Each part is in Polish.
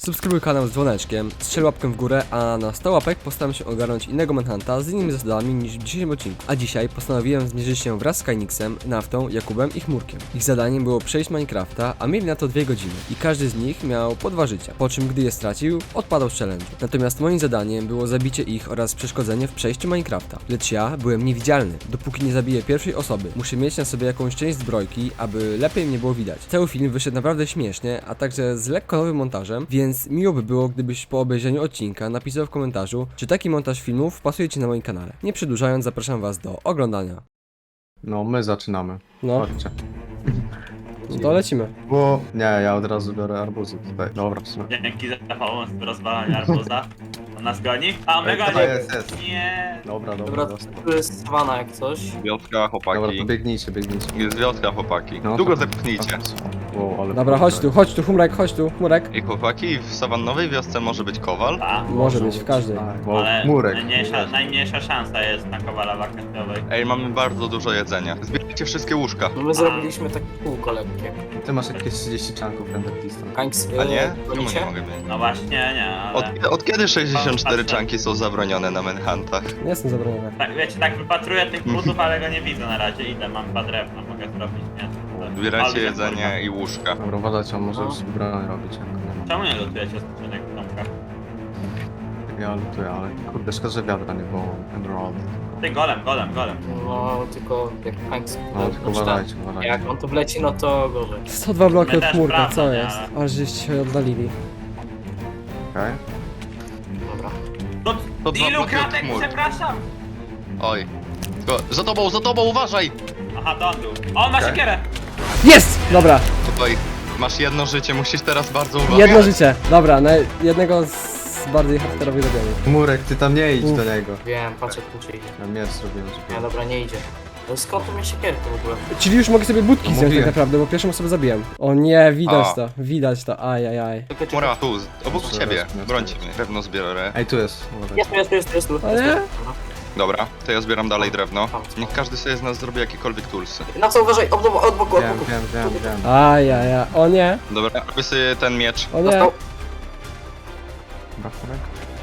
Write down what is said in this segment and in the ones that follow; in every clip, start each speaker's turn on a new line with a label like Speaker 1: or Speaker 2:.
Speaker 1: Subskrybuj kanał z dzwoneczkiem, strzel łapkę w górę, a na 100 łapek postaram się ogarnąć innego Manhunta z innymi zasadami niż w dzisiejszym odcinku. A dzisiaj postanowiłem zmierzyć się wraz z Kajniksem, Naftą, Jakubem i Chmurkiem. Ich zadaniem było przejść Minecrafta, a mieli na to 2 godziny i każdy z nich miał po 2 życia, po czym gdy je stracił, odpadał z challenge'u. Natomiast moim zadaniem było zabicie ich oraz przeszkodzenie w przejściu Minecrafta. Lecz ja byłem niewidzialny, dopóki nie zabiję pierwszej osoby. Muszę mieć na sobie jakąś część zbrojki, aby lepiej mnie było widać. Cały film wyszedł naprawdę śmiesznie, a także z lekko nowym montażem, więc miło by było, gdybyś po obejrzeniu odcinka napisał w komentarzu, czy taki montaż filmów pasuje ci na moim kanale. Nie przedłużając, zapraszam was do oglądania.
Speaker 2: No, my zaczynamy.
Speaker 1: No,
Speaker 2: Chodźcie.
Speaker 1: to lecimy.
Speaker 2: Bo... Nie, ja od razu biorę arbuzy tutaj. Dobra, w sumie.
Speaker 3: Dzięki za pomoc w rozwalaniu arbuza. On nas goni? A my
Speaker 2: Ej,
Speaker 3: goni!
Speaker 2: jest.
Speaker 3: Nie.
Speaker 2: Dobra,
Speaker 4: Dobra,
Speaker 2: dostał.
Speaker 4: tu jest sawana jak coś.
Speaker 5: Wioska,
Speaker 2: Dobra,
Speaker 5: chłopaki.
Speaker 2: to biegnijcie.
Speaker 5: Jest wioska, chłopaki.
Speaker 2: No,
Speaker 5: Długo
Speaker 2: tak.
Speaker 5: zepchnijcie.
Speaker 2: Wow, ale...
Speaker 1: Dobra, chodź tu, Chmurek, chodź tu, Chmurek.
Speaker 5: I chłopaki, w sawannowej wiosce może być kowal?
Speaker 3: A,
Speaker 1: Może być w każdej.
Speaker 2: Tak, wow,
Speaker 3: ale
Speaker 2: murek.
Speaker 3: najmniejsza szansa jest na kowala wakacjowej.
Speaker 5: Ej, mamy bardzo dużo jedzenia. Zbierajcie wszystkie łóżka.
Speaker 4: No my zrobiliśmy takie kółko lekkie.
Speaker 2: Ty masz jakieś 30 czanków Endertista.
Speaker 4: Kanks,
Speaker 5: A nie? Czemu
Speaker 4: gonicie?
Speaker 5: nie mogę mieć?
Speaker 3: No właśnie, nie, ale...
Speaker 5: Od kiedy 64 czanki są zabronione na Manhuntach?
Speaker 1: Nie jestem zabroniony.
Speaker 3: Tak, wiecie, tak wypatruję tych butów, ale go nie widzę na razie. Idę, mam 2 drewna, mogę zrobić, nie?
Speaker 5: Zbierajcie
Speaker 3: Ale
Speaker 5: jedzenie i łóżka.
Speaker 2: Dobra, uważajcie, on może
Speaker 4: No.
Speaker 2: już broń robić. Jak nie
Speaker 3: Czemu nie lutujecie skrzynek w domkach?
Speaker 2: ma. Ja lutuję, ale kurde, szkoda, że wiadra nie było. Emerald.
Speaker 3: Ty, golem.
Speaker 4: No tylko jak Kanks...
Speaker 2: No, tylko uważajcie.
Speaker 4: Jak on tu wleci, no to gorzej.
Speaker 1: 102 bloki
Speaker 3: My
Speaker 1: od
Speaker 3: też
Speaker 1: Chmurka,
Speaker 3: prawda,
Speaker 1: co
Speaker 3: nie,
Speaker 1: jest?
Speaker 3: ale-
Speaker 1: Aż żeście się oddalili.
Speaker 2: Okej.
Speaker 4: Dobra.
Speaker 3: No,
Speaker 5: To 2
Speaker 3: ilu
Speaker 5: bloki od
Speaker 3: kratek,
Speaker 5: chmur.
Speaker 3: przepraszam!
Speaker 5: Oj. Za tobą, uważaj!
Speaker 3: Aha, to on był. O, on ma
Speaker 5: Okej.
Speaker 3: siekierę!
Speaker 1: Jest! Dobra,
Speaker 5: Tutaj masz jedno życie, musisz teraz bardzo uważać.
Speaker 1: jedno życie. Dobra, na jednego z bardziej hardkorowych zabijamy.
Speaker 2: Murek, ty tam nie idź
Speaker 1: Uf.
Speaker 2: do niego.
Speaker 4: Wiem, patrz jak tu idzie.
Speaker 2: Ja miecz zrobiłem,
Speaker 4: Nie,
Speaker 2: żeby...
Speaker 4: dobra, nie idzie. No skąd tu mnie siekierkę w ogóle?
Speaker 1: Czyli już mogę sobie budki
Speaker 2: No
Speaker 1: zdjąć tak
Speaker 2: mówiłem.
Speaker 1: naprawdę, bo pierwszą osobę zabiłem. O nie,
Speaker 5: A.
Speaker 1: widać to, ajajaj.
Speaker 4: Tylko cię...
Speaker 5: Mura, tu, obok
Speaker 2: Proszę,
Speaker 5: ciebie.
Speaker 2: rozumiem.
Speaker 5: Brońcie mnie. Drewno zbiorę.
Speaker 2: Ej, tu jest. Uważajcie.
Speaker 4: Jest tu.
Speaker 1: A nie?
Speaker 4: Dobra.
Speaker 5: Dobra, to ja zbieram dalej drewno. Niech każdy sobie z nas zrobi jakiekolwiek toolsy.
Speaker 4: Na co uważaj? Od boku.
Speaker 2: Wiem.
Speaker 1: Ajajaj, o nie,
Speaker 5: Dobra, robię sobie ten miecz.
Speaker 1: o nie.
Speaker 4: Dostał.
Speaker 2: Dobra, Murek.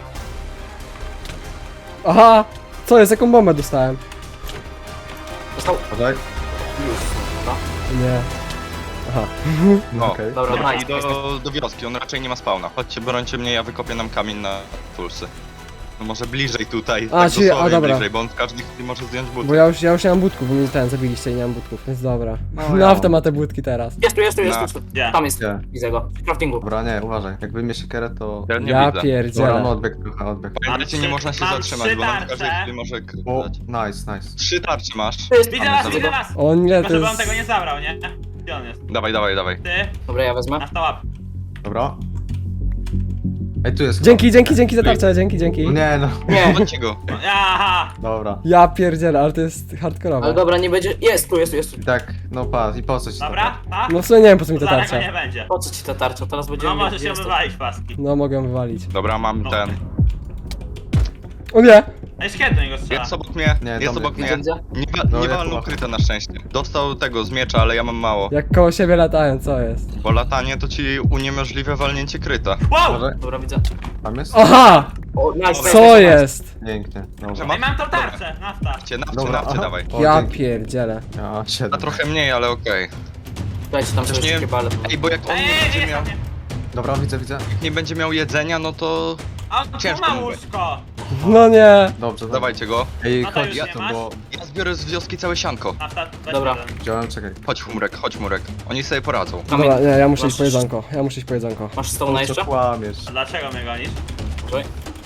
Speaker 1: Aha, co jest, jaką bombę dostałem?
Speaker 4: Dostał.
Speaker 2: Uważaj.
Speaker 4: Już. Dobra.
Speaker 1: Nie. Aha.
Speaker 5: O,
Speaker 2: Okej.
Speaker 4: Dobra,
Speaker 5: Dobra,
Speaker 4: nice.
Speaker 5: i do wioski, on raczej nie ma spawna. Chodźcie, brońcie mnie, ja wykopię nam kamień na tulsy. No może bliżej tutaj,
Speaker 1: A,
Speaker 5: tak
Speaker 1: czyli-
Speaker 5: dosłownie
Speaker 1: dobra.
Speaker 5: bliżej, bo on w każdej chwili może zdjąć buty.
Speaker 1: Bo ja już nie mam budków, bo mnie zabiliście i nie mam budków, więc dobra.
Speaker 2: No,
Speaker 1: No,
Speaker 2: ja
Speaker 1: Nafta
Speaker 2: mam.
Speaker 1: ma te budki teraz.
Speaker 4: Jest tu.
Speaker 3: Gdzie?
Speaker 4: Tam jest.
Speaker 2: Gdzie?
Speaker 4: Widzę go. W craftingu.
Speaker 2: Dobra, nie, uważaj. Jak wyjmie siekierę, to...
Speaker 5: Ja nie
Speaker 1: Ja
Speaker 5: widzę.
Speaker 2: Dobra,
Speaker 1: pierdzielę.
Speaker 2: no odbieg trochę, odbieg.
Speaker 5: Pamiętajcie, nie można się
Speaker 3: Mam
Speaker 5: zatrzymać,
Speaker 3: 3
Speaker 5: bo on w każdej
Speaker 3: tarcze.
Speaker 5: chwili może
Speaker 2: O,
Speaker 5: krytać.
Speaker 2: nice.
Speaker 5: 3 tarcze masz.
Speaker 4: To jest.
Speaker 3: Widzę was!
Speaker 1: O nie,
Speaker 3: Tylko
Speaker 1: to
Speaker 3: żeby on tego
Speaker 1: jest...
Speaker 3: nie zabrał, nie? Gdzie on jest?
Speaker 5: Dawaj.
Speaker 3: Ty,
Speaker 4: Dobra, ja wezmę.
Speaker 3: na 100 łap.
Speaker 2: Dobra. Ej, tu jest.
Speaker 1: Dzięki za tarczę, dzięki.
Speaker 2: No nie, no.
Speaker 4: Nie.
Speaker 5: Chodźcie go.
Speaker 3: No, aha!
Speaker 2: Dobra.
Speaker 1: Ja pierdzielę, ale to jest hardkorowe.
Speaker 4: Ale dobra, nie będzie. Jest tu.
Speaker 2: I tak, no patrz, i po co ci to?
Speaker 3: Dobra, tak?
Speaker 1: No w sumie nie wiem po co mi ta
Speaker 3: Zaraz go
Speaker 1: tarcza.
Speaker 3: nie będzie.
Speaker 4: Po co ci ta tarcza? Teraz będziemy
Speaker 3: No może się
Speaker 4: jest to-
Speaker 3: wywalić paski.
Speaker 1: No mogę ją wywalić.
Speaker 5: Dobra, mam
Speaker 3: No.
Speaker 5: ten.
Speaker 1: O nie!
Speaker 3: Ej, szkiet do niego strzela.
Speaker 5: Jest obok mnie,
Speaker 2: Nie,
Speaker 5: jest
Speaker 2: tam
Speaker 5: obok
Speaker 2: jest.
Speaker 5: mnie.
Speaker 4: Widzę.
Speaker 2: No,
Speaker 5: Nie
Speaker 2: ja
Speaker 5: walnął
Speaker 2: tu-
Speaker 5: kryta na szczęście. Dostał tego z miecza, ale ja mam mało.
Speaker 1: Jak koło siebie latają, co jest?
Speaker 5: Bo latanie to ci uniemożliwia walnięcie kryta.
Speaker 3: Wow!
Speaker 2: Uważaj.
Speaker 4: Dobra, widzę.
Speaker 2: Tam jest?
Speaker 1: Aha!
Speaker 4: O, nice.
Speaker 1: Co jest?
Speaker 2: Pięknie. Dobra.
Speaker 3: Ej, mam tą tarczę, nafta.
Speaker 5: Nawcie,
Speaker 2: aha.
Speaker 5: dawaj.
Speaker 2: O,
Speaker 1: Ja
Speaker 2: dzięki.
Speaker 1: pierdzielę.
Speaker 2: Ja,
Speaker 5: A
Speaker 2: 7.
Speaker 5: trochę mniej, ale okej.
Speaker 4: Dajcie tam
Speaker 5: Też
Speaker 4: sobie
Speaker 5: nie-
Speaker 4: takie bale.
Speaker 5: Ej, bo jak on
Speaker 3: Ej,
Speaker 5: nie będzie
Speaker 3: jest
Speaker 5: miał,
Speaker 3: na mnie.
Speaker 2: Dobra, widzę.
Speaker 5: nie będzie miał jedzenia, no to
Speaker 3: A on tu
Speaker 5: Ciężko
Speaker 3: ma
Speaker 5: mówię.
Speaker 3: łóżko.
Speaker 1: No nie!
Speaker 2: Dobrze.
Speaker 5: dawajcie go.
Speaker 2: Ej,
Speaker 3: No to
Speaker 2: chodź,
Speaker 3: już
Speaker 2: ja
Speaker 3: nie
Speaker 2: to
Speaker 3: masz?
Speaker 2: było...
Speaker 5: Ja zbiorę z wioski całe sianko.
Speaker 3: Nafta, weź
Speaker 4: Dobra.
Speaker 3: jeden.
Speaker 2: Wziąłem, czekaj.
Speaker 5: Chodź Murek. Oni sobie poradzą.
Speaker 1: Dobra, nie, ja muszę
Speaker 4: Masz-
Speaker 1: iść po jedzonko. Ja muszę iść po jedzonko.
Speaker 4: Masz stone jeszcze?
Speaker 2: Co kłamiesz?
Speaker 3: A dlaczego mnie gonisz?
Speaker 4: Uważaj.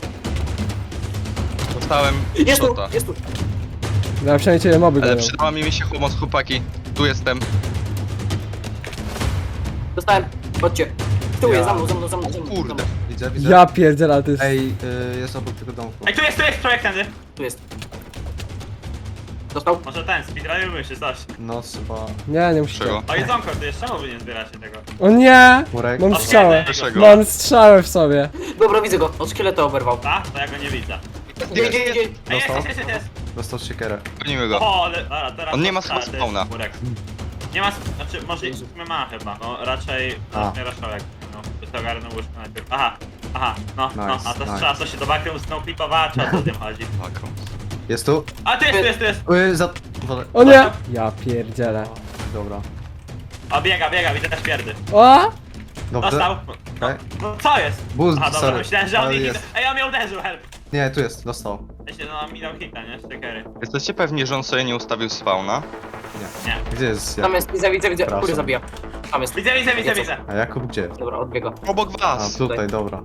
Speaker 5: Dostałem
Speaker 4: Jest
Speaker 5: shota.
Speaker 4: tu.
Speaker 1: Ja przynajmniej ciebie moby
Speaker 5: Ale
Speaker 1: gonią.
Speaker 5: przydała mi się pomoc, chłopaki. Tu jestem.
Speaker 4: Dostałem. Chodźcie. Tu
Speaker 2: Ja.
Speaker 4: jest, za mną.
Speaker 5: Kurde.
Speaker 2: Widzę.
Speaker 1: Ja pierdzielę, ale to jest...
Speaker 2: Ej, jest obok tego domku.
Speaker 3: Ej, tu jest projekt tędy.
Speaker 4: Tu jest. Dostał.
Speaker 3: Może ten, speedrunujmy się coś.
Speaker 2: No, chyba...
Speaker 1: Nie musicie.
Speaker 5: Czego?
Speaker 3: O, jedzonko, ty jeszcze czemu wy nie zbieracie tego?
Speaker 1: O nie!
Speaker 2: Murek.
Speaker 1: Mam
Speaker 3: O,
Speaker 1: strzałę.
Speaker 5: Dlaczego?
Speaker 1: Mam strzałę w sobie.
Speaker 4: Dobra, widzę go. Od szkieleta oberwał.
Speaker 3: Tak? To ja go nie widzę.
Speaker 4: Idzie.
Speaker 3: Ej,
Speaker 2: Dostał?
Speaker 3: jest.
Speaker 2: Dostał siekierę.
Speaker 5: Gonimy go.
Speaker 3: O, ale teraz...
Speaker 5: On nie ma
Speaker 3: to
Speaker 5: chyba
Speaker 3: jest
Speaker 5: spawna.
Speaker 3: Murek. Nie ma, znaczy może ma chyba, no raczej
Speaker 2: A.
Speaker 3: raszołek, no. sobie ogarnę łóżko najpierw. Aha, no,
Speaker 2: Nice,
Speaker 3: a to
Speaker 2: nice.
Speaker 3: strzela, co się do bakrem snowflipowała, czy o co z tym chodzi?
Speaker 5: Taką.
Speaker 2: Jest tu?
Speaker 3: A tu jest.
Speaker 2: Wodę.
Speaker 1: O nie! Ja pierdzielę.
Speaker 2: Dobra.
Speaker 3: O, biega, widzę te śmierdy.
Speaker 1: O!
Speaker 2: Dobrze.
Speaker 3: Dostał.
Speaker 2: Okej.
Speaker 3: No co jest?
Speaker 2: Boost,
Speaker 3: Aha, dobra,
Speaker 2: sorry.
Speaker 3: myślałem, że on
Speaker 2: Ale
Speaker 3: mnie
Speaker 2: jest.
Speaker 3: Ej, on mnie uderzył, help.
Speaker 2: Nie, tu jest, dostał.
Speaker 3: Jeśli no, on mi dał hita, nie? Stickery.
Speaker 5: Jesteście pewni, że on sobie nie ustawił spawna?
Speaker 3: Nie.
Speaker 2: Gdzie jest
Speaker 4: Tam jest, widzę.
Speaker 2: Przepraszam.
Speaker 4: Kury zabija. Tam jest.
Speaker 3: Widzę.
Speaker 2: A Jakub gdzie?
Speaker 4: Dobra, odbiega.
Speaker 5: Obok
Speaker 2: A,
Speaker 5: was!
Speaker 2: tutaj, dobra.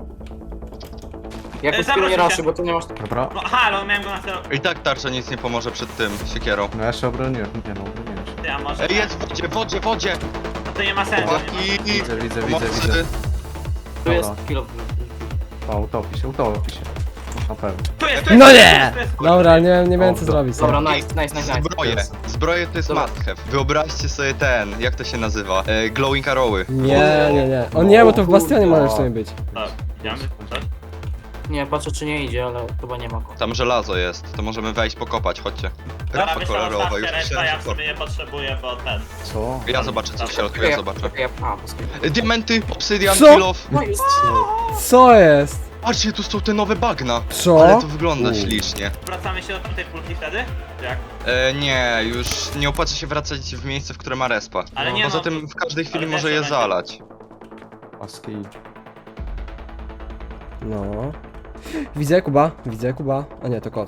Speaker 4: Jak
Speaker 3: Zawróć
Speaker 4: nie
Speaker 3: się.
Speaker 4: raszy, bo tu nie masz...
Speaker 2: Dobra.
Speaker 3: No halo, miałem go na celu.
Speaker 5: I tak tarcza nic nie pomoże przed tym, siekierą.
Speaker 2: No ja się obroniłem. Nie no, obroniłem się.
Speaker 3: Ty, a może...
Speaker 5: Ej, jest w wodzie!
Speaker 3: No to nie ma sensu.
Speaker 5: Chłopaki!
Speaker 2: Widzę.
Speaker 5: Pomocy.
Speaker 4: Tu jest
Speaker 2: Dobra.
Speaker 4: kilo.
Speaker 2: O, utopi się. Na pewno.
Speaker 3: Tu jest,
Speaker 1: No
Speaker 3: tu
Speaker 1: nie!
Speaker 3: jest.
Speaker 1: Dobra, nie wiem co
Speaker 2: Dobra.
Speaker 1: zrobić.
Speaker 4: Dobra,
Speaker 1: nie?
Speaker 4: nice.
Speaker 5: Zbroje. Zbroje to jest
Speaker 4: Dobra.
Speaker 5: must have. Wyobraźcie sobie ten, jak to się nazywa? Glowing arrowy.
Speaker 1: Nie. O nie, bo to w bastionie może w sumie być.
Speaker 3: Tak, idziemy? Coś?
Speaker 4: Nie, patrzę czy nie idzie, ale chyba nie ma go.
Speaker 5: Tam żelazo jest, to możemy wejść pokopać, chodźcie.
Speaker 3: Dobra,
Speaker 5: Rapa
Speaker 3: myślę,
Speaker 5: kolorowa,
Speaker 3: że
Speaker 5: już
Speaker 3: reszta,
Speaker 5: myślałem,
Speaker 3: ja
Speaker 5: że
Speaker 3: w
Speaker 5: to...
Speaker 3: sumie nie potrzebuję, bo ten...
Speaker 2: Co?
Speaker 5: Ja zobaczę co w środku, ja zobaczę.
Speaker 4: A, posłuchaj.
Speaker 5: Diamenty, obsydian,
Speaker 1: Co?
Speaker 5: kill off.
Speaker 4: No jest.
Speaker 1: Co jest?
Speaker 5: Patrzcie, tu są te nowe bagna.
Speaker 1: Co?
Speaker 5: Ale to wygląda
Speaker 2: U.
Speaker 5: ślicznie.
Speaker 3: Wracamy się do tamtej pulki wtedy? Jak?
Speaker 5: Nie, już nie opłaca się wracać w miejsce, w które ma respa.
Speaker 3: Ale nie
Speaker 5: Poza
Speaker 3: no,
Speaker 5: tym w każdej chwili
Speaker 3: ale
Speaker 5: może
Speaker 3: wiesz,
Speaker 5: je
Speaker 3: że
Speaker 5: zalać.
Speaker 2: Paski.
Speaker 1: No. Widzę Kuba. A nie, to kot.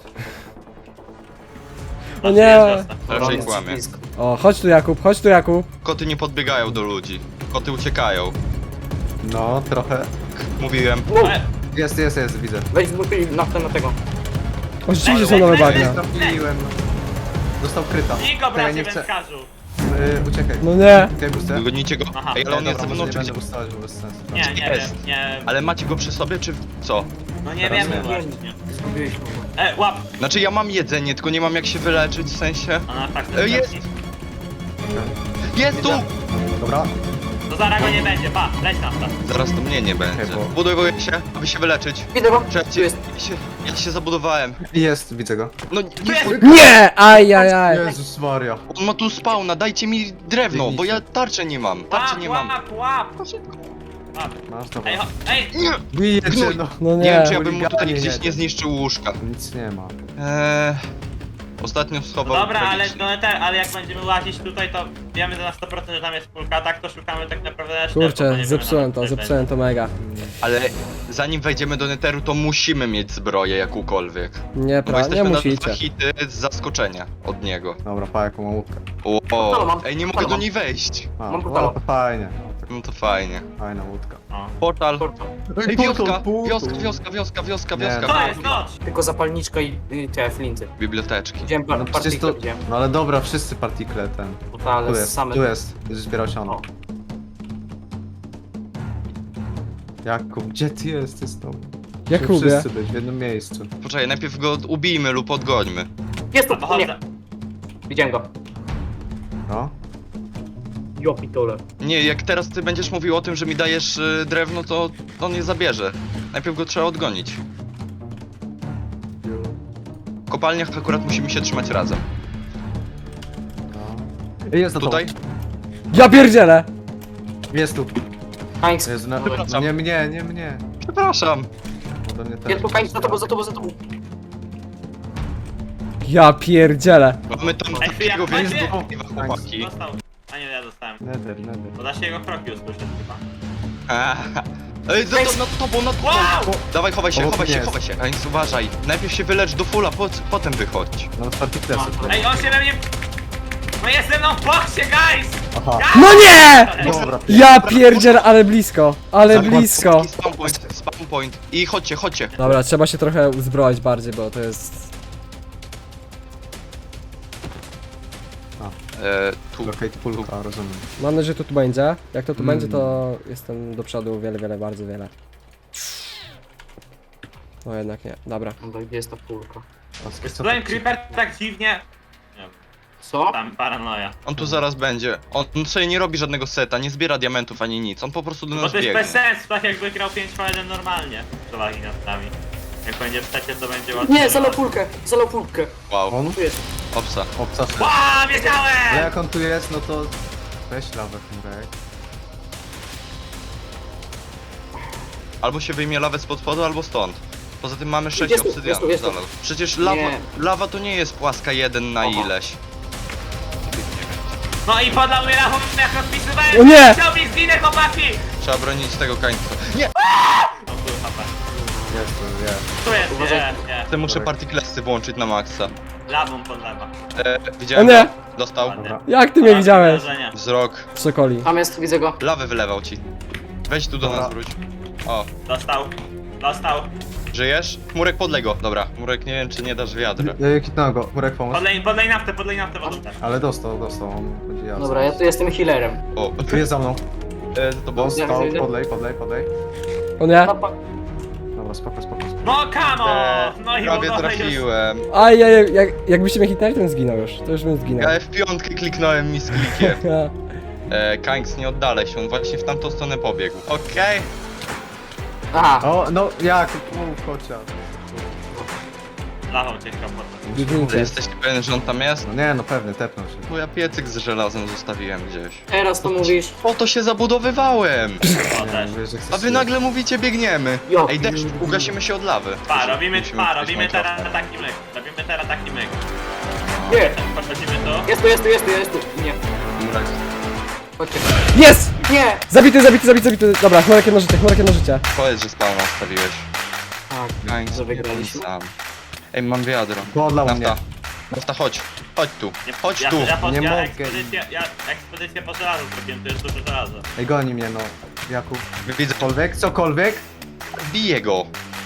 Speaker 1: O nie!
Speaker 5: Raczej
Speaker 4: jest
Speaker 5: kłamie.
Speaker 4: blisko.
Speaker 1: O, chodź tu Jakub.
Speaker 5: Koty nie podbiegają do ludzi. Koty uciekają.
Speaker 2: No, trochę.
Speaker 5: Mówiłem.
Speaker 2: Jest, widzę.
Speaker 4: Weź na tego.
Speaker 1: O, rzeczywiście są nowe bagna.
Speaker 2: Trafiłem. Dostał kryta.
Speaker 3: Niko,
Speaker 2: To ja
Speaker 3: bracie
Speaker 2: nie chcę.
Speaker 3: wędkarzu!
Speaker 2: Uciekaj.
Speaker 1: No nie.
Speaker 2: Uciekaj, boostę.
Speaker 5: Gonicie go.
Speaker 3: Aha.
Speaker 5: Ej, ale on
Speaker 2: Nie,
Speaker 5: jest ze
Speaker 2: dobra,
Speaker 5: mną
Speaker 2: może
Speaker 5: czy
Speaker 2: nie
Speaker 5: gdzie?
Speaker 2: będę ustawać, bo bez sensu.
Speaker 3: Nie, nie
Speaker 5: Jest.
Speaker 3: wiem, nie...
Speaker 5: Ale macie go przy sobie, czy co?
Speaker 3: No nie
Speaker 2: Teraz
Speaker 3: wiemy
Speaker 2: nie.
Speaker 3: właśnie.
Speaker 4: Zgubiłeś go.
Speaker 3: Łap!
Speaker 5: Znaczy ja mam jedzenie, tylko nie mam jak się wyleczyć, w sensie...
Speaker 3: Ona tak
Speaker 5: Jest! Jest tu!
Speaker 2: Dobra.
Speaker 3: To zaraz go nie będzie, pa, leć tam tam.
Speaker 5: Zaraz to mnie nie będzie.
Speaker 2: Okej, bo-
Speaker 5: Budowuję się, aby się wyleczyć.
Speaker 4: Widzę go. Tu
Speaker 5: Czekajcie,
Speaker 4: jest.
Speaker 5: ja się zabudowałem.
Speaker 2: Jest, widzę go.
Speaker 5: No nie,
Speaker 1: Nie! Ajajaj.
Speaker 2: Jezus Maria.
Speaker 5: on ma tu spawna, dajcie mi drewno, bo ja tarczy nie mam. Tarczy nie mam.
Speaker 3: Łap!
Speaker 2: Masz, dobra.
Speaker 3: Ej, ej!
Speaker 5: Nie!
Speaker 2: Bijecie, no.
Speaker 1: No
Speaker 5: Nie wiem, czy
Speaker 1: nie.
Speaker 5: ja bym mu tutaj
Speaker 2: Chuliganie
Speaker 5: gdzieś
Speaker 2: jeden.
Speaker 5: nie zniszczył łóżka.
Speaker 2: Nic nie ma.
Speaker 5: Ostatnio schował
Speaker 3: Dobra, ale,
Speaker 5: tragicznie.
Speaker 3: ale jak będziemy łazić tutaj, to wiemy na 100%, że tam jest kulka, tak to szukamy tak naprawdę na sztylet, bo
Speaker 1: Kurczę,
Speaker 3: nie
Speaker 1: zepsułem
Speaker 3: wiemy,
Speaker 1: to,
Speaker 3: nawet,
Speaker 1: zepsułem to mega.
Speaker 5: Ale zanim wejdziemy do Netheru, to musimy mieć zbroję jakąkolwiek. Bo
Speaker 1: Nie
Speaker 5: jesteśmy na
Speaker 1: musicie.
Speaker 5: dwa hity z zaskoczenia od niego.
Speaker 2: Dobra, pa, jaką mam łódkę.
Speaker 5: O,
Speaker 4: mam.
Speaker 5: ej, nie mogę
Speaker 4: Halo,
Speaker 5: do
Speaker 4: mam.
Speaker 5: niej wejść.
Speaker 2: A,
Speaker 4: Mam
Speaker 2: no,
Speaker 4: portala.
Speaker 2: to fajnie.
Speaker 5: No to fajnie.
Speaker 2: Fajna łódka.
Speaker 3: No.
Speaker 5: Portal. Ej, wioska! Wioska!
Speaker 2: Nie, no.
Speaker 3: To jest noc!
Speaker 4: Tylko zapalniczka i te flinty.
Speaker 5: Biblioteczki.
Speaker 4: Widziałem
Speaker 2: No przecież
Speaker 4: partyjkę,
Speaker 2: to...
Speaker 4: widziałem.
Speaker 2: No ale dobra, wszyscy partikle ten.
Speaker 4: Ale
Speaker 2: Tu jest,
Speaker 4: same...
Speaker 2: tu jest. Będziesz zbierał siano.
Speaker 4: O.
Speaker 2: Jakub, gdzie ty jesteś z tobą?
Speaker 1: Jakubie.
Speaker 2: Wszyscy być w jednym miejscu.
Speaker 5: Poczekaj, najpierw go ubijmy lub odgońmy.
Speaker 4: Jest tu!
Speaker 3: A
Speaker 4: Nie!
Speaker 3: pochodzę.
Speaker 4: Widziałem go.
Speaker 2: No.
Speaker 4: Jo pitole.
Speaker 5: Nie, jak teraz ty będziesz mówił o tym, że mi dajesz drewno, to on je zabierze. Najpierw go trzeba odgonić. W kopalniach akurat musimy się trzymać razem.
Speaker 2: No. Jest za tobą.
Speaker 5: Tutaj?
Speaker 1: Ja pierdzielę!
Speaker 2: Jest tu.
Speaker 4: Kańc.
Speaker 2: Jezu, no,
Speaker 5: Przepraszam.
Speaker 2: nie mnie, nie mnie.
Speaker 5: Przepraszam.
Speaker 2: Ode mnie też.
Speaker 4: Jest tu Kańc, za tobą.
Speaker 1: Ja pierdzielę!
Speaker 5: Mamy tam
Speaker 3: Ej,
Speaker 5: takiego
Speaker 3: jak macie-
Speaker 5: wyjazdu, chłopaki.
Speaker 3: Dostał. A nie, ja dostałem.
Speaker 2: Nether.
Speaker 3: Bo da się jego kroki usłyszeć chyba.
Speaker 5: Ej, nad tobą!
Speaker 3: Wow!
Speaker 5: Dawaj, chowaj się.
Speaker 2: Jest.
Speaker 5: Więc uważaj. Najpierw się wylecz do fulla, potem wychodź.
Speaker 2: No, partiklesy.
Speaker 3: Ej, on się we mnie... No jest ze mną w boksie, guys!
Speaker 2: Aha.
Speaker 1: No nie!
Speaker 2: Dobra.
Speaker 1: Ja pierdzielę, ale blisko! Ale blisko!
Speaker 5: Spawn point. I chodźcie.
Speaker 1: Dobra, trzeba się trochę uzbroić bardziej, bo to jest...
Speaker 5: Tu.
Speaker 2: Okej, to pulka, rozumiem.
Speaker 1: Mam nadzieję, że to tu będzie. Jak to tu będzie, to jestem do przodu wiele, bardzo wiele. No jednak nie, dobra.
Speaker 4: Dobra, gdzie jest ta pulka?
Speaker 3: Byłem creeper tak dziwnie... Nie wiem,
Speaker 4: Co?
Speaker 3: tam paranoja.
Speaker 5: On tu zaraz będzie. On sobie nie robi żadnego seta, nie zbiera diamentów ani nic. On po prostu do
Speaker 3: Bo
Speaker 5: nas
Speaker 3: to jest
Speaker 5: biegnie.
Speaker 3: bez sensu, tak jakby grał 5v1 normalnie. Przewagi nad nami. Jak będzie w secie, to będzie łatwiej.
Speaker 4: Nie, zalał pulkę.
Speaker 5: Wow,
Speaker 2: On?
Speaker 4: Tu jest.
Speaker 5: obsa.
Speaker 2: Obca.
Speaker 3: Ła,
Speaker 2: Ale
Speaker 3: wiedziałem!
Speaker 2: jak on tu jest, no to... Weź lawę, Murek.
Speaker 5: Albo się wyjmie lawę spod spodu, albo stąd. Poza tym mamy 6
Speaker 4: Jest tu,
Speaker 5: obsydianów.
Speaker 4: jest tu.
Speaker 5: Zalał. Przecież
Speaker 4: Nie.
Speaker 5: lawa to nie jest płaska 1 na
Speaker 4: Oho.
Speaker 5: ileś.
Speaker 3: No i podał mnie rachunок, jak rozpisywałem.
Speaker 1: O nie!
Speaker 3: Chciał mi zginę, chłopaki!
Speaker 5: Trzeba bronić tego kańca. Nie!
Speaker 3: No tu HP.
Speaker 2: Jest to, jest.
Speaker 3: Tu jest,
Speaker 4: Uważaj.
Speaker 3: nie.
Speaker 5: Ty muszę partyklesy włączyć na maksa.
Speaker 3: Lawą podlewa.
Speaker 5: Widziałem
Speaker 1: O nie!
Speaker 5: go. Dostał.
Speaker 3: Ładnie.
Speaker 1: Jak ty mnie widziałeś?
Speaker 3: Wrażenie.
Speaker 5: Wzrok.
Speaker 1: Sokoli.
Speaker 4: Tam jest, widzę go.
Speaker 5: Lawę wylewał ci. Weź tu do
Speaker 2: Dobra.
Speaker 5: nas wróć. O,
Speaker 3: Dostał. Dostał.
Speaker 5: żyjesz? Chmurek podlej go. Dobra, Chmurek nie wiem czy nie dasz wiadra.
Speaker 2: Kitnąłem go, Murek pomóż.
Speaker 3: Podlej naftę wodą.
Speaker 2: Ale dostał, on będzie jadł.
Speaker 4: Dobra, ja tu jestem healerem.
Speaker 5: O,
Speaker 2: Tu jest za mną.
Speaker 5: to było.
Speaker 2: Dostał,
Speaker 4: widzę.
Speaker 2: podlej.
Speaker 1: O nie?
Speaker 2: Dobra, spoko.
Speaker 3: No come on! No i
Speaker 5: Prawie
Speaker 3: woda
Speaker 5: trafiłem.
Speaker 1: Aj, jakbyście mnie hitnęli, to bym zginął już. To już bym zginął.
Speaker 5: Ja F5 kliknąłem mi z klikiem. Kanks, nie oddalaj się, on właśnie w tamtą stronę pobiegł. Okej.
Speaker 4: Aha,
Speaker 2: O, no jak? Mów chociaż.
Speaker 3: Lawą cię chciał podleć.
Speaker 5: Ty
Speaker 1: Biegnijcie.
Speaker 5: jesteś pewien, że on tam jest?
Speaker 2: No nie, no pewnie, tepnął się.
Speaker 5: Bo ja piecyk z żelazem zostawiłem gdzieś.
Speaker 4: teraz to mówisz.
Speaker 5: Po to się zabudowywałem!
Speaker 3: O, też.
Speaker 2: Mówię, że chcesz
Speaker 5: A wy nagle mówicie biegniemy.
Speaker 4: Jo.
Speaker 5: Ej, deszcz, ugasimy się od lawy.
Speaker 3: Robimy
Speaker 5: Musimy
Speaker 3: teraz
Speaker 5: Minecrafta.
Speaker 3: taki myk. Robimy teraz taki myk.
Speaker 4: Nie,
Speaker 3: Podchodzimy tu.
Speaker 4: jest tu. Nie, chodźcie.
Speaker 1: Jest!
Speaker 4: Nie!
Speaker 1: Zabity. Dobra, chmurek jedno życie.
Speaker 5: Powiedz, że spawna stawiłeś.
Speaker 4: Tak,
Speaker 5: Kanks,
Speaker 4: że wygraliśmy.
Speaker 5: sam. Ej, mam wiadro.
Speaker 2: Podlał mnie.
Speaker 5: Nafta, chodź. Chodź tu.
Speaker 3: Nie,
Speaker 5: Chodź
Speaker 3: ja,
Speaker 5: tu.
Speaker 2: Nie
Speaker 3: ja
Speaker 2: mogę.
Speaker 3: ekspedycję po żelazu zrobiłem, to jest dużo żelaza.
Speaker 2: Ej, goni mnie, no. Jakub.
Speaker 5: Widzę,
Speaker 2: Cokolwiek.
Speaker 5: biję go.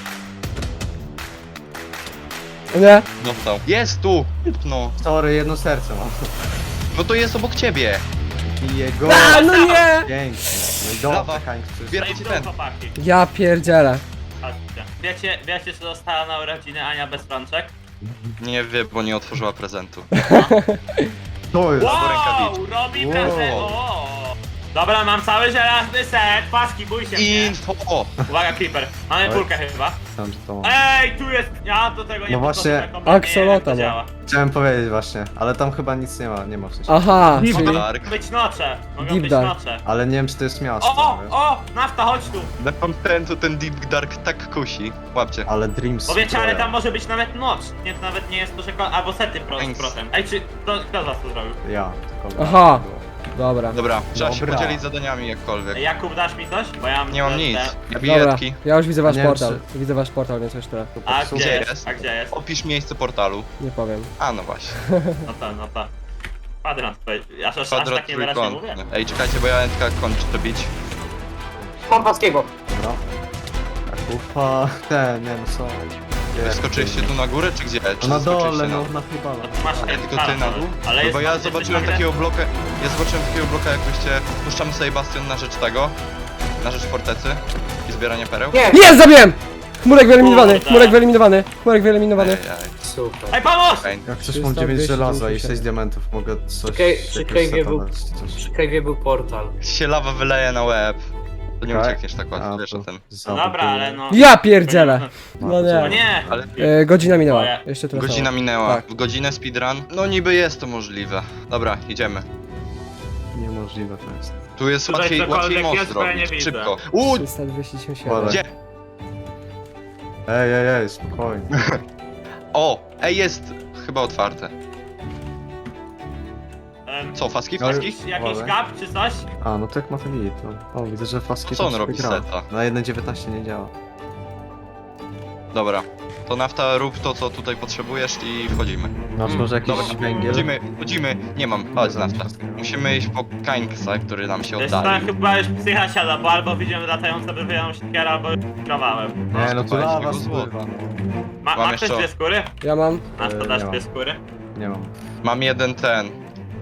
Speaker 1: O nie?
Speaker 5: Dostał. Jest tu! No.
Speaker 2: Sorry, jedno serce mam.
Speaker 5: No to jest obok ciebie.
Speaker 2: Bije go.
Speaker 1: A, no nie!
Speaker 2: Pięknie. No i
Speaker 5: Lawa.
Speaker 2: dobra, Kańcz, przecież.
Speaker 3: No i
Speaker 5: Zbierajcie
Speaker 3: w dół,
Speaker 5: ten.
Speaker 3: chłopaki.
Speaker 1: Ja pierdzielę.
Speaker 3: Chodźcie. Wiecie, co dostała na urodziny Ania bez rączek?
Speaker 5: Nie wie, bo nie otworzyła prezentu.
Speaker 2: To jest.
Speaker 3: Wow, robi
Speaker 2: Wow.
Speaker 3: prezent, o. Dobra, mam cały żelazny set, paski, bój się mnie.
Speaker 5: Info!
Speaker 3: Uwaga, Creeper, mamy
Speaker 2: Oj.
Speaker 3: kulkę chyba.
Speaker 2: Myślałem, że to mam.
Speaker 3: Ej, tu jest, ja do tego nie
Speaker 2: No właśnie,
Speaker 3: podchodzę kompletnie,
Speaker 1: Axolotl,
Speaker 3: jak to
Speaker 1: no.
Speaker 3: działa.
Speaker 2: Chciałem powiedzieć właśnie, ale tam chyba nic nie ma w sensie.
Speaker 1: Aha, czyli...
Speaker 5: Dark.
Speaker 3: Być nocze, mogą
Speaker 1: Deep
Speaker 3: być
Speaker 1: dark.
Speaker 3: nocze.
Speaker 2: Ale nie wiem, czy to jest miasto. wiesz?
Speaker 3: O, nafta, chodź tu.
Speaker 5: Ten Deep Dark tak kusi. Łapcie.
Speaker 2: Ale Dreams.
Speaker 3: Bo wiecie, ale
Speaker 2: Zbroja.
Speaker 3: tam może być nawet noc. Nie, to nawet nie jest to, że... Albo sety z protem. Ej, czy... Kto z was to zrobił?
Speaker 2: Ja. tylko-
Speaker 1: Aha. Dobra.
Speaker 5: Dobra, trzeba się
Speaker 2: Dobra.
Speaker 5: podzielić zadaniami jakkolwiek.
Speaker 3: Ej, Jakub, dasz mi coś? Bo ja mam...
Speaker 5: Nie mam
Speaker 3: te-
Speaker 5: nic.
Speaker 3: te-
Speaker 5: Ja
Speaker 1: Dobra,
Speaker 5: biletki.
Speaker 1: ja już widzę wasz
Speaker 2: Nie wiem,
Speaker 1: portal. Widzę wasz portal, więc już tyle.
Speaker 3: A
Speaker 2: Popsuł.
Speaker 3: gdzie
Speaker 5: jest?
Speaker 3: jest? A gdzie jest?
Speaker 5: Opisz miejsce portalu.
Speaker 1: Nie powiem.
Speaker 5: A, no właśnie.
Speaker 3: No to. Kwadrant, aż
Speaker 5: Kwadrat
Speaker 3: tak niewyraźnie mówię.
Speaker 5: trójkątny. Ej, czekajcie, bo ja Entka kończę to bić.
Speaker 4: Mam paskiego.
Speaker 2: Dobra. Kupa. Ten, nie wiem co. Gdzie?
Speaker 5: Wyskoczyliście tu na górę, czy gdzie? Czy
Speaker 2: No na
Speaker 5: zeskoczyliście
Speaker 2: dole,
Speaker 5: na
Speaker 2: no
Speaker 5: dół?
Speaker 2: na chyba.
Speaker 3: No to masz
Speaker 5: Ale
Speaker 3: ten
Speaker 5: tylko ty na dół?
Speaker 3: ale
Speaker 5: No
Speaker 3: jest
Speaker 5: bo ja
Speaker 3: jesteś
Speaker 5: zobaczyłem
Speaker 3: nagle-
Speaker 5: takiego bloka, jak byście, puszczamy sobie bastion na rzecz tego, na rzecz fortecy i zbierania pereł.
Speaker 4: Nie!
Speaker 1: Jest, zabiłem! Chmurek wyeliminowany,
Speaker 3: Kurde.
Speaker 1: chmurek wyeliminowany.
Speaker 5: Ej,
Speaker 4: Super.
Speaker 3: Ej, pomóż!
Speaker 5: ej.
Speaker 2: Jak coś mam 9 żelaza i 6 diamentów, mogę coś...
Speaker 4: Przy
Speaker 2: jakiegoś
Speaker 4: Cave'ie
Speaker 2: seta
Speaker 4: był-
Speaker 2: dać, czy coś.
Speaker 4: Przy Cave'ie był portal.
Speaker 5: Się lawa wyleje na łeb. To nie
Speaker 2: Tak?
Speaker 5: uciekniesz tak łatwo,
Speaker 2: A,
Speaker 5: wiesz
Speaker 2: to
Speaker 5: o tym.
Speaker 3: No dobra, ale no...
Speaker 1: Ja pierdzielę! No
Speaker 3: No
Speaker 1: nie.
Speaker 3: nie!
Speaker 5: Ale
Speaker 1: Godzina minęła.
Speaker 3: Moje.
Speaker 1: Jeszcze tyle
Speaker 5: godzina
Speaker 1: samo.
Speaker 5: minęła.
Speaker 1: Tak.
Speaker 5: W godzinę speedrun? No niby jest to możliwe. Dobra, idziemy.
Speaker 2: Niemożliwe to jest.
Speaker 5: Tu jest
Speaker 3: Tutaj
Speaker 5: łatwiej
Speaker 3: cokolwiek
Speaker 5: most
Speaker 3: jest, bo ja nie
Speaker 5: zrobić.
Speaker 3: widzę.
Speaker 5: Szybko.
Speaker 1: 327.
Speaker 2: Ładnie.
Speaker 5: Gdzie?
Speaker 2: Ej, spokojnie.
Speaker 5: O! Ej, jest chyba otwarte. Co, faski?
Speaker 2: No,
Speaker 5: Faski?
Speaker 3: Jakiś
Speaker 2: Uważaj.
Speaker 3: kap czy coś?
Speaker 2: A, no tak ma to git, no. O, widzę, że faski
Speaker 5: Co on
Speaker 2: to
Speaker 5: robi
Speaker 2: gra.
Speaker 5: seta?
Speaker 2: Na 1.19 nie działa.
Speaker 5: Dobra. To nafta, rób to, co tutaj potrzebujesz i wchodzimy.
Speaker 2: Masz może jakiś
Speaker 5: Dobra,
Speaker 2: węgiel?
Speaker 5: chodzimy. Nie mam, chodź nafta. Musimy iść po Kańksa, który nam się
Speaker 3: To jest
Speaker 5: oddali.
Speaker 3: tak chyba już psycha siada, bo albo widziałem latające wywijaną siekierę, albo kawałem.
Speaker 2: Nie, no to
Speaker 5: Słuchajcie,
Speaker 2: lawa
Speaker 5: go złoto.
Speaker 2: spływa.
Speaker 3: Ma
Speaker 5: Mam
Speaker 3: ktoś
Speaker 5: jeszcze-
Speaker 3: dwie skóry?
Speaker 1: Ja mam.
Speaker 3: Masz to dasz
Speaker 2: nie
Speaker 3: dwie
Speaker 2: mam.
Speaker 3: skóry?
Speaker 2: Nie mam.
Speaker 5: Mam jeden ten.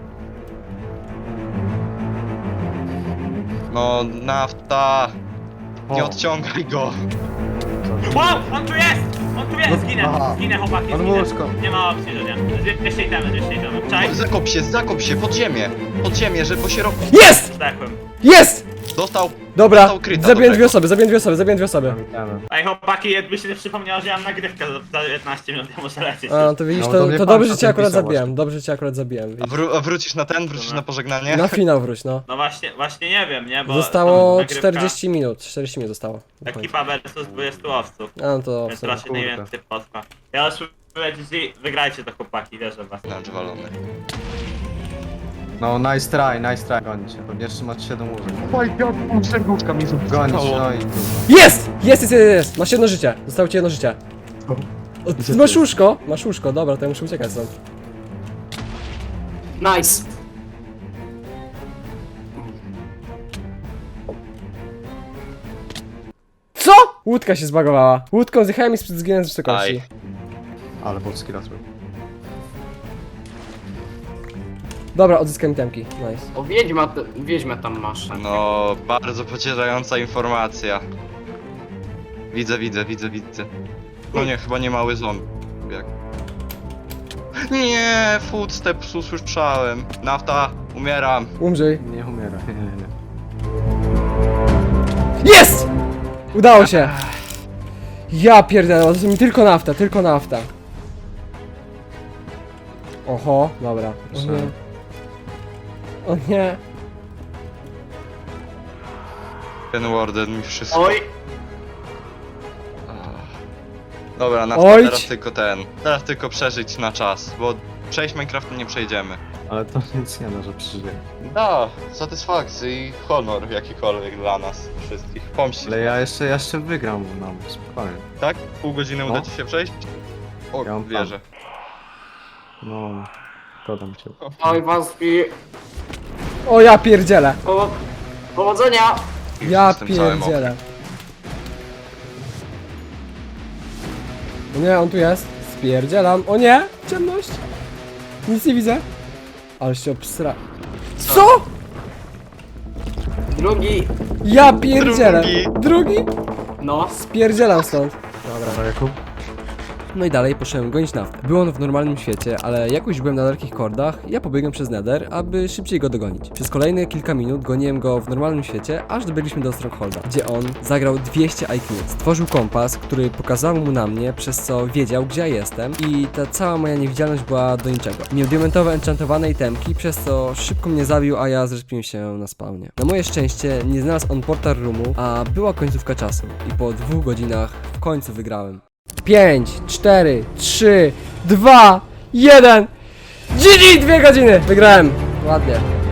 Speaker 5: No, nafta. Nie
Speaker 2: O.
Speaker 5: odciągaj go.
Speaker 3: Wow, on tu jest! On tu jest!
Speaker 2: No,
Speaker 3: Zginę,
Speaker 2: aha.
Speaker 3: zginę chłopaki,
Speaker 2: Pan
Speaker 3: zginę.
Speaker 2: Łuczko.
Speaker 3: Nie ma opcji, że nie. 200 itemy. Czaj?
Speaker 5: Zakop się, pod ziemię, bo się robi.
Speaker 1: Jest!
Speaker 3: Zdechłem.
Speaker 1: Jest!
Speaker 5: Dostał.
Speaker 1: Dobra,
Speaker 5: Dostał kryta
Speaker 1: zabiłem
Speaker 5: do
Speaker 1: dwie osoby, zabiłem dwie osoby.
Speaker 3: Ej chłopaki, jakby się nie przypomniało, że ja mam nagrywkę za 15 minut, ja muszę lecieć.
Speaker 1: A, to widzisz,
Speaker 2: No, do
Speaker 1: to
Speaker 2: mnie
Speaker 1: dobrze,
Speaker 2: pan
Speaker 1: że cię akurat
Speaker 2: pisał
Speaker 1: zabiłem,
Speaker 2: właśnie.
Speaker 1: dobrze, że cię akurat zabiłem.
Speaker 5: A, a wrócisz na ten? Wrócisz na pożegnanie?
Speaker 1: Na finał wróć, no.
Speaker 3: No właśnie nie wiem, nie? Bo
Speaker 1: Zostało
Speaker 3: tam nagrywka-
Speaker 1: 40 minut zostało. do końca.
Speaker 3: Ekipa versus 20 łowców.
Speaker 1: A, no to
Speaker 3: Więc
Speaker 1: w sumie.
Speaker 3: raczej najwięcej potrwa. Ja już lecicie, wygrajcie to chłopaki, wierzę w was.
Speaker 5: Lunch walony.
Speaker 2: No, nice try, gonić się. Pewnie trzymać się do łóżek.
Speaker 5: Oj, serduszka mi
Speaker 2: Gonić, no i...
Speaker 1: Jest! Masz jedno życie, zostało ci jedno życie. O, ty masz łóżko? Masz łóżko, dobra, to ja muszę uciekać stąd.
Speaker 4: Nice.
Speaker 1: Co? Łódka się zbagowała. Łódką zjechałem i zginąłem z wysokości.
Speaker 5: Aj.
Speaker 2: Ale polski raz był.
Speaker 1: Dobra, odzyskam itemki, nice.
Speaker 4: O, wiedźmę tam masz.
Speaker 5: No, bardzo pocierająca informacja. Widzę. No nie, chyba nie mały zombie. Nie, footsteps usłyszałem. Nafta, umieram.
Speaker 1: Umrzyj.
Speaker 2: Nie umiera, nie.
Speaker 1: Jest! Udało się! Ja pierdolę, to mi tylko nafta. Oho, dobra. O nie. O nie.
Speaker 5: Ten warden mi wszystko.
Speaker 4: Oj,
Speaker 5: Dobra, nafta,
Speaker 1: Oj.
Speaker 5: Teraz tylko przeżyć na czas, bo przejść Minecraftu nie przejdziemy.
Speaker 2: Ale to nic nie da, że przeżyje.
Speaker 5: Da, satysfakcja i honor jakikolwiek dla nas wszystkich. Pomścić.
Speaker 2: Ale ja jeszcze wygram, no, spokojnie.
Speaker 5: Tak? Pół godziny
Speaker 2: No.
Speaker 5: uda ci się przejść? O,
Speaker 2: Ja mam
Speaker 5: wierzę.
Speaker 2: No, dodam cię.
Speaker 4: oj, Waski.
Speaker 1: O ja pierdzielę.
Speaker 4: Powodzenia.
Speaker 1: Ja
Speaker 5: Jestem cały mokry.
Speaker 1: pierdzielę. O nie, on tu jest. Spierdzielam. O nie! Ciemność! Nic nie widzę. Ale się obsra... Co?!
Speaker 4: Drugi.
Speaker 1: Ja pierdzielę! Drugi?
Speaker 4: No.
Speaker 1: Spierdzielam stąd.
Speaker 2: Dobra, Jakub.
Speaker 1: No i dalej poszedłem gonić naftę. Był on w normalnym świecie, ale jakoś byłem na dalekich kordach, ja pobiegłem przez Nether, aby szybciej go dogonić. Przez kolejne kilka minut goniłem go w normalnym świecie, aż dobiegliśmy do Strongholda, gdzie on zagrał 200 IQ. Stworzył kompas, który pokazał mu na mnie, przez co wiedział, gdzie ja jestem i ta cała moja niewidzialność była do niczego. Miał diamentowe enchantowane itemki, przez co szybko mnie zabił, a ja zrespiłem się na spawnie. Na moje szczęście nie znalazł on portal roomu, a była końcówka czasu i po 2 godzinach w końcu wygrałem. 5, 4, 3, 2, 1 GG! 2 godziny! Wygrałem! Ładnie.